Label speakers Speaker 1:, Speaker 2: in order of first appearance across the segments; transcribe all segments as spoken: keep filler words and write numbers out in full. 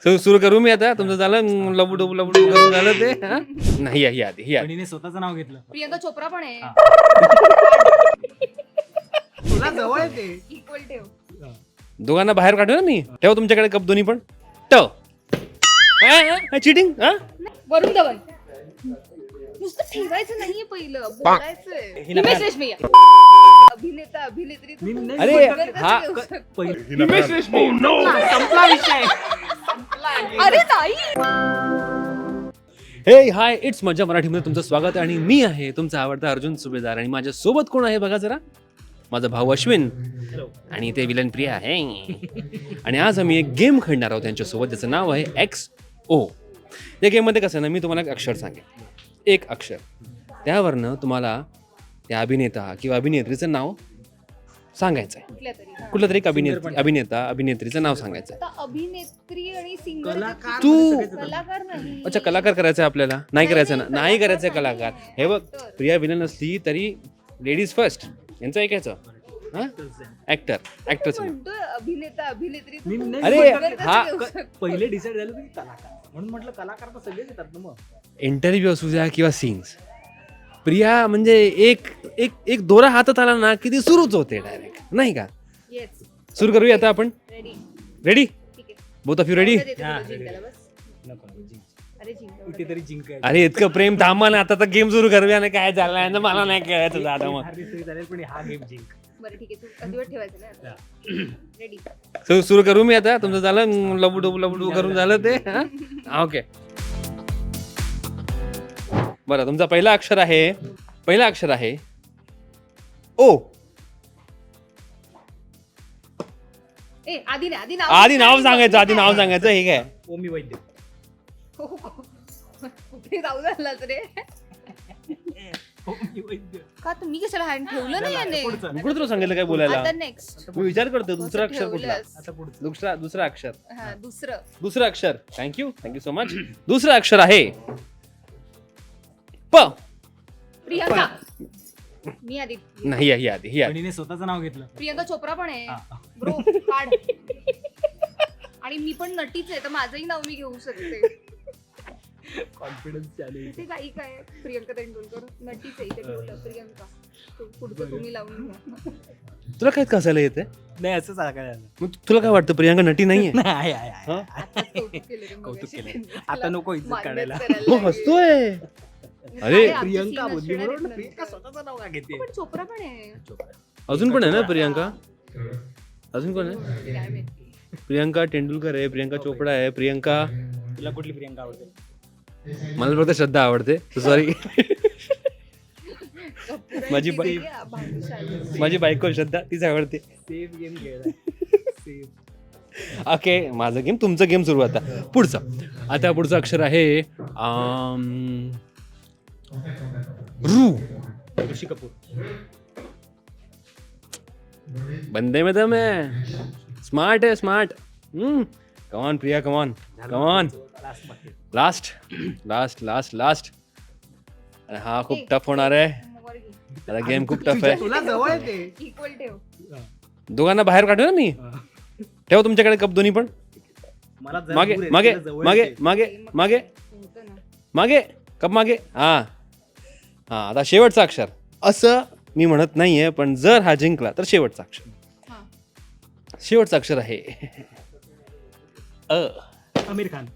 Speaker 1: सुरू करू मी आता. तुमचं झालं लबडू लबडू करून झालं ते. नाही ही आधी ही आधी.
Speaker 2: स्वतःचं नाव घेतलं.
Speaker 3: प्रियंका चोप्रा पण आहे.
Speaker 2: तुला जवळ आहे ते.
Speaker 3: इक्वल ठेव.
Speaker 1: दोघांना बाहेर काढू ना मी. ठेव तुमच्याकडे कप दोन्ही पण. टव चिटिंग.
Speaker 3: वरुण धवन. नुसतं ठेवायचं नाहीये पहिलं, बोलायचंय. हिमेश रेशमिया. अभिनेता अभिनेत्री.
Speaker 1: अरे हा
Speaker 2: हिमेश रेशमिया. संपला विषय.
Speaker 3: अरे नाही.
Speaker 1: हे हाय, इट्स मज्जा मराठीमध्ये तुमचं स्वागत आहे आणि मी आहे तुमचा आवडता अर्जुन सुभेदार. आणि माझ्या सोबत कोण आहे बघा जरा. माझा भाऊ अश्विन आणि ते विलन प्रिया आहे. आणि आज आम्ही एक गेम खेळणार आहोत त्यांच्यासोबत, ज्याचं नाव आहे एक्स ओ. या गेममध्ये कसं ना, मी तुम्हाला एक अक्षर सांगेन, एक अक्षर, त्यावरनं तुम्हाला त्या अभिनेता किंवा अभिनेत्रीचं नाव सांगायचं आहे.
Speaker 3: कुठल्या तरी.
Speaker 1: कुठलं तरी एक अभिनेत्री अभिनेता अभिनेत्रीचं नाव सांगायचं आहे.
Speaker 3: आता अभिनेत्री आणि सिंगर.
Speaker 1: तू
Speaker 3: कलाकार नाही.
Speaker 1: अच्छा, कलाकार करायचं आहे आपल्याला. नाही करायचं ना, नाही करायचं कलाकार. हे बघ, प्रिया विलन असली तरी लेडीज फर्स्ट यांचं ऐकायचं. ऍक्टर ऍक्टरच
Speaker 3: अभिनेता अभिनेत्री.
Speaker 1: अरे हा
Speaker 2: पहिले डिसाईड झालं की कलाकार, म्हणून म्हटलं कलाकार तर सगळेच येतात ना. मग
Speaker 1: इंटरव्ह्यू असू द्या किंवा सीन्स, प्रिया म्हणजे एक एक एक दोरा हातात आला ना की ती सुरूच होते डायरेक्ट, नाही का?
Speaker 3: येस.
Speaker 1: सुरू करूया आता आपण.
Speaker 3: रेडी.
Speaker 1: रेडी?
Speaker 3: ठीक आहे.
Speaker 1: Both of you ready?
Speaker 3: अरे जिंक.
Speaker 2: कुठेतरी जिंकाय.
Speaker 1: अरे इतकं प्रेम थांबा ना, आता तर गेम सुरू करूया ना. काय झालं मला नाही कळायचं दादा. मग
Speaker 2: पण हा गेम जिंक.
Speaker 3: बरं ठीक आहे, तू अधिवट ठेवायचं ना. रेडी.
Speaker 1: सुरू सुरू करू मी आता. तुमचं झालं लबडू लबडू करून झालं ते. ओके, बरं. तुमचा पहिला अक्षर आहे पहिला अक्षर आहे ओ.
Speaker 3: ए आधी नाही, आधी नाव
Speaker 1: आधी नाव सांगायचं आधी नाव सांगायचं हे काय?
Speaker 2: ओमी वैद्य.
Speaker 3: कुठे जाऊ झालाच रे.
Speaker 2: ओमी वैद्य.
Speaker 3: का तुम्ही कशाला हँड ठेवलं नाही याने?
Speaker 1: मी कुठं तुला सांगितलं काय बोलायला?
Speaker 3: आता नेक्स्ट.
Speaker 1: मी विचार करतो दुसरा अक्षर कुठला.
Speaker 2: आता पुढचं.
Speaker 1: दुसरा दुसरा अक्षर
Speaker 3: हा दुसरं.
Speaker 1: दुसरं अक्षर. Thank you thank you so much. दुसरं अक्षर आहे प.
Speaker 3: प्रियंका. मी आधी.
Speaker 1: नाही ही आधी ही आधी.
Speaker 2: बहिणीने स्वतःचं नाव घेतलं.
Speaker 3: प्रियंका चोप्रा पण आहे.
Speaker 2: हा.
Speaker 3: ब्रो काढ. आणि मी पण नटीच आहे, तर माझंही नाव मी घेऊ शकते.
Speaker 2: कॉन्फिडन्स चालू आहे.
Speaker 3: ते काही काय प्रियंका तेंडुलकर नटीच आहे, इथे ठेवलं प्रियंका. तू- पुढचं तुम्ही लावून घ्या.
Speaker 1: तुला काय कसायला येते?
Speaker 2: नाही, असं सांगायला झालं.
Speaker 1: मग तुला काय वाटतं प्रियांका नटी नाहीये?
Speaker 2: नाही, आहे, आहे, आहे.
Speaker 1: हा?
Speaker 3: आता कौतुक केलं रे
Speaker 2: कौतुक
Speaker 3: मगाशी.
Speaker 2: केलं. आता नको इज्जत
Speaker 3: मान्यच
Speaker 2: काढायला.
Speaker 3: करायला
Speaker 1: हो
Speaker 3: लागेल.
Speaker 1: हसतोय. अरे,
Speaker 3: काय आमची
Speaker 2: प्रियंका
Speaker 3: scene
Speaker 2: बोलली
Speaker 3: असणार
Speaker 2: म्हणून
Speaker 3: आहेत
Speaker 2: प्रियंका
Speaker 3: नंतर.
Speaker 2: स्वतःचं नाव का घेते?
Speaker 3: पण चोप्रा पण आहे.
Speaker 1: अजून पण आहे ना प्रियांका? अजून कोण आहे?
Speaker 3: काय माहिती.
Speaker 1: प्रियांका तेंडुलकर आहे, प्रियांका चोपडा आहे, प्रियांका.
Speaker 2: तुला कुठली प्रियंका आवडते?
Speaker 1: मला फक्त श्रद्धा आवडते. सॉरी, माझी बाई-
Speaker 3: वेगळी, भाग्यशाली.
Speaker 1: माझी बायको श्रद्धा, तीच आवडते.
Speaker 2: सेफ गेम खेळला. सेफ.
Speaker 1: ओके, माझं गेम तुमचं गेम सुरू आता. पुढचं आता पुढचं अक्षर आहे आम, रू.
Speaker 2: ऋषी कपूर.
Speaker 1: बंदे में दम है. स्मार्ट है स्मार्ट. कमान प्रिया, कमान कमान.
Speaker 2: लास्ट बाकी.
Speaker 1: Last last last last. अरे हा खूप टफ होणार आहे.
Speaker 3: वर घे.
Speaker 1: आता गेम खूप टफ आहे.
Speaker 2: तुला जवळ आहे ते.
Speaker 3: इक्वल ठेव.
Speaker 1: दोघांना बाहेर काढू ना मी. ठेव तुमच्याकडे कप दोन्ही पण.
Speaker 2: मला जरा
Speaker 1: मागे
Speaker 2: दूर आहे,
Speaker 1: मागे
Speaker 2: तुला जवळ
Speaker 1: मागे
Speaker 2: आहे ते.
Speaker 1: मागे मागे
Speaker 3: होतं ना.
Speaker 1: मागे कप मागे. हा हा आता शेवटचा अक्षर. असं मी म्हणत नाहीये, पण जर हा जिंकला तर शेवटचा अक्षर.
Speaker 3: हा.
Speaker 1: शेवटचा अक्षर आहे अ.
Speaker 2: आमिर खान.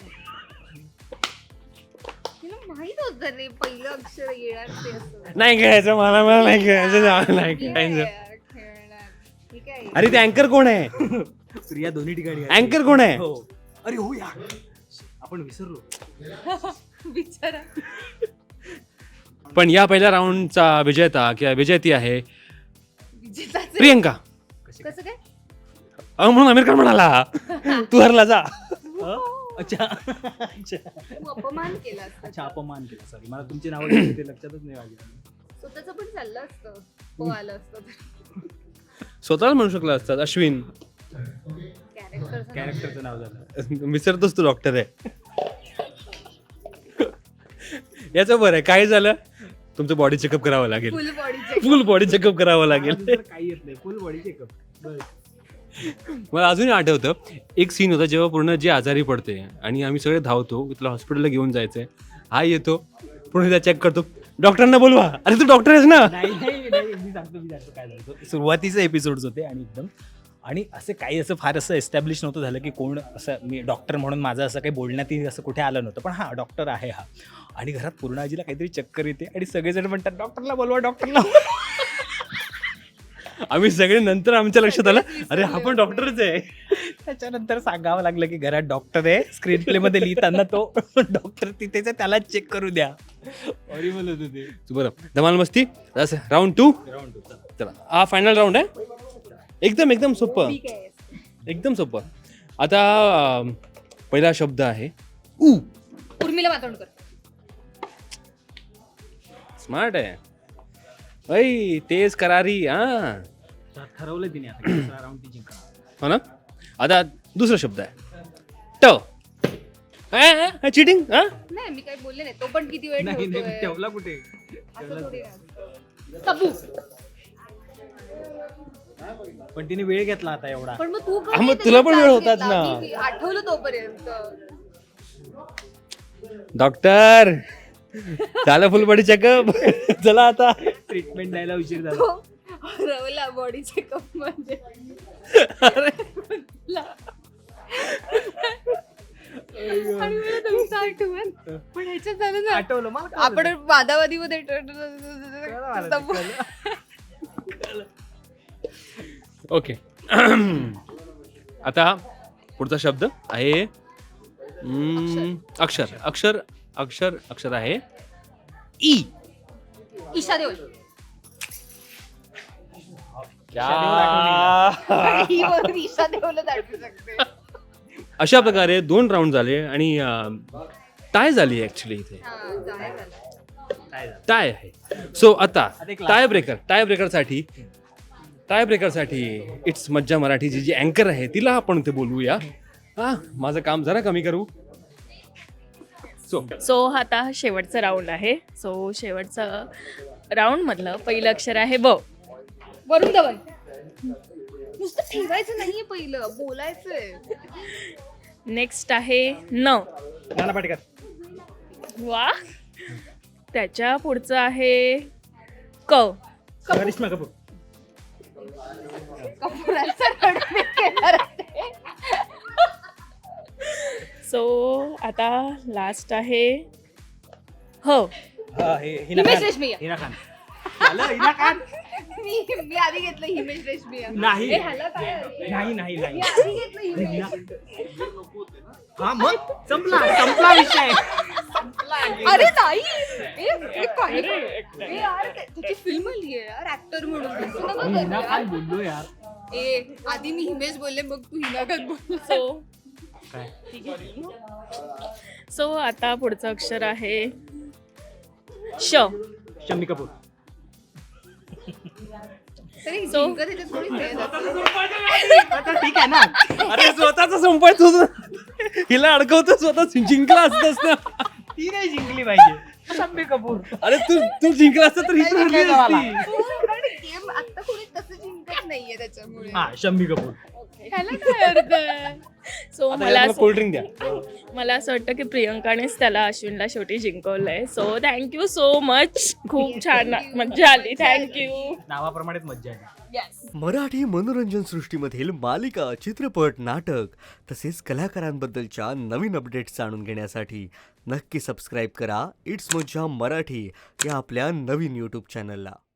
Speaker 3: तिला माहित होतं रे पहिलं अक्षर येणार ते असं.
Speaker 1: नाही खेळायचं मला मला नाही खेळायचं नाही
Speaker 3: ठीक आहे
Speaker 1: खेळायचं.
Speaker 3: यार, खेळणार. ठीक आहे.
Speaker 1: अरे ते अँकर कोण आहे?
Speaker 2: प्रिया दोन्ही ठिकाणी आहे.
Speaker 1: अँकर कोण आहे?
Speaker 2: हो. अरे हो यार, आपण विसरलो.
Speaker 3: बिचारा.
Speaker 1: पण या पहिल्या राऊंडचा विजेता किंवा विजेती आहे
Speaker 3: विजेताचे.
Speaker 1: प्रियंका.
Speaker 3: कसं काय?
Speaker 1: अ म्हणून आमिर खान म्हणाला तू हरला जा.
Speaker 2: अच्छा अच्छा
Speaker 3: तू अपमान केला असता.
Speaker 2: अच्छा अपमान केला. सॉरी, मला तुमची नावं घेतली ते लक्षातच नाही आली.
Speaker 3: स्वतःच पण चाललं असतं. हो आलं असतं तर.
Speaker 1: स्वतःला म्हणू शकला असतात अश्विन.
Speaker 3: कॅरेक्टर.
Speaker 2: कॅरेक्टरचं नाव झालं.
Speaker 1: विसरतोस तू डॉक्टर आहे. याचं बरं आहे, काय झालं तुमचं बॉडी चेकअप करावं लागेल.
Speaker 3: Full body
Speaker 1: full body checkup करावं लागेल.
Speaker 2: काही येत नाही. Full body checkup.
Speaker 1: मला अजूनही आठवतं एक सीन होता जेव्हा पूर्ण जी आजारी पडते आणि आम्ही सगळे धावतो की तुला हॉस्पिटलला घेऊन जायचंय. हा येतो पूर्ण त्या चेक करतो, डॉक्टरांना बोलवा. अरे तू डॉक्टर आहेस ना.
Speaker 2: नाही नाही नाही मी सांगतो मी सांगतो काय झालं होतं. सुरुवातीचे एपिसोड्स होते आणि एकदम आणि असं काही असं फार असं एस्टॅब्लिश नव्हतं झालं की कोण असं मी डॉक्टर म्हणून माझं असं काही बोलण्यातही असं कुठे आलं नव्हतं. पण हां डॉक्टर आहे हा. आणि घरात पूर्ण आजीला काहीतरी चक्कर येते आणि सगळेजण म्हणतात डॉक्टरला बोलवा डॉक्टरला.
Speaker 1: आम्ही सगळे नंतर आमच्या लक्षात आलं अरे हा पण डॉक्टरच आहे.
Speaker 2: त्याच्यानंतर सांगावं लागलं की घरात डॉक्टर आहे. स्क्रीन प्लेमध्ये लिहिताना तो डॉक्टर तिथेच आहे, त्याला चेक करू द्या. हॉरिबल होतं ते.
Speaker 1: बरं धमाल मस्ती राऊंड टू. चला हा फायनल राऊंड आहे. एकदम एकदम सोपं,
Speaker 3: ठीक आहे.
Speaker 1: एकदम सोपं. आता अं, पहिला शब्द आहे ऊ.
Speaker 3: उर्मिला मातोंडकर.
Speaker 1: स्मार्ट आहे. ऐ तेज करारी. हा
Speaker 2: ठरवलं तिने आता की दुसरा राऊंड ती जिंकणार.
Speaker 1: हो ना. आता दुसरा शब्द आहे ट. चिटिंग. हा
Speaker 3: नाही मी काही बोलले नाही. तो पण किती वेळ
Speaker 2: नाही नाही,
Speaker 3: ठेवतोय.
Speaker 2: ठेवला कुठे.
Speaker 3: असं थोडी आहे. तब्बू.
Speaker 2: पण तिने वेळ घेतला आता एवढा.
Speaker 3: पण मग तू का
Speaker 1: हा, मग
Speaker 3: नाही
Speaker 1: तुला पण
Speaker 3: त्याचा
Speaker 1: वेळ
Speaker 3: त्रास
Speaker 1: होताच ना.
Speaker 3: घेतला? मी आठवलं तोपर्यंत.
Speaker 1: डॉक्टर झालं फुल बॉडी चेकअप. चला आता
Speaker 2: ट्रीटमेंट द्यायला उशीर झाला.
Speaker 3: तो रवला बॉडी चेकअप म्हणजे आणि मला तुमचं आठवण. पण ह्याच्यात झालं ना
Speaker 2: आठवलं मला.
Speaker 3: आपण वादावादीमध्ये
Speaker 1: ओके. आता पुढचा शब्द आहे हम्म, अक्षर अक्षर अक्षर अक्षर आहे ई.
Speaker 3: ईशा देओल.
Speaker 1: या.
Speaker 3: ही वरून ईशा देओलच आठवू शकते.
Speaker 1: अशा प्रकारे दोन राऊंड झाले आणि टाय झाली ऍक्च्युली इथे.
Speaker 3: हा, जाहीर झालं.
Speaker 1: टाय आहे. सो आता
Speaker 2: आता एक last.
Speaker 1: टाय ब्रेकर टाय ब्रेकरसाठी टाय ब्रेकरसाठी इट्स मज्जा मराठीची जी अँकर आहे तिला आपण ते बोलवूया. हा माझं काम जरा कमी करू. सो
Speaker 4: सो आता हा शेवटचा राऊंड आहे. सो शेवटचा राऊंड मधलं पहिलं अक्षर आहे ब.
Speaker 3: वरुण धवन. नुसतं ठेवायचं नाहीये, पहिलं बोलायचंय.
Speaker 4: नेक्स्ट आहे न.
Speaker 2: नाना पाटेकर.
Speaker 4: वा. त्याच्या पुढचं आहे क.
Speaker 2: करिश्मा कपूर.
Speaker 3: कपुरांचा रडमे केला रे.
Speaker 4: सो आता लास्ट आहे ह.
Speaker 2: हा, हे हिना
Speaker 3: हिमेश
Speaker 2: खान.
Speaker 3: रेशमिया.
Speaker 2: हिना खान. झालं, हिना खान.
Speaker 3: मी मी आधी घेतलं हिमेश रेशमिया.
Speaker 2: नाही.
Speaker 3: ए, ह्याला काय आहे?
Speaker 2: नाही नाही नाही.
Speaker 3: मी आधी घेतलं हिमेश.
Speaker 2: हा मग संपला संपला विषय.
Speaker 3: अरे नाही. ए, ए, काय ए, यार ते- त्याची फिल्म आली आहे यार ऍक्टर म्हणून. तसं नका करू
Speaker 2: हिना खान
Speaker 3: यार.
Speaker 2: बोललो यार.
Speaker 3: ए आधी मी हिमेश बोलले मग तू हिना खान बोल.
Speaker 4: सो
Speaker 2: काय
Speaker 4: सो आता पुढचं अक्षर आहे श.
Speaker 2: शम्मी कपूर.
Speaker 3: तरी
Speaker 4: So-
Speaker 3: जिंकत ह्याच्यात थोडी वेळ जातो.
Speaker 2: आता ठीक आहे ना.
Speaker 1: अरे स्वतःच संपायचं होतं. हिला अडकवतो स्वतः जिंकला असतंस ना.
Speaker 2: ती नाही जिंकली पाहिजे. शम्मी कपूर.
Speaker 1: अरे तू तू जिंकला असता तर ही
Speaker 2: नाही
Speaker 1: तर हरली
Speaker 2: जिंकायचं मला.
Speaker 1: असती.
Speaker 3: हो, कारण गेम आता कोणी तसं जिंकत नाहीये त्याच्यामुळे.
Speaker 2: हा शम्मी कपूर.
Speaker 4: ह्याला काय अर्थ आहे? सो
Speaker 1: आता
Speaker 4: मला
Speaker 1: याला
Speaker 4: असं-
Speaker 1: कोल्ड्रिंक द्या.
Speaker 4: मला असं वाटतं की प्रियंकानेच त्याला अश्विनला शेवटी जिंकवलंय. So thank you so much. खूप छान मज्जा आली. थँक्यू.
Speaker 2: नावाप्रमाणेच मज्जा आली.
Speaker 5: मराठी मनोरंजन सृष्टीमधील मालिका, चित्रपट, नाटक तसेच कलाकारांबद्दलच्या नवीन अपडेट्स जाणून घेण्यासाठी नक्की सबस्क्राईब करा इट्स मज्जा मराठी या आपल्या नवीन यूट्यूब चॅनलला.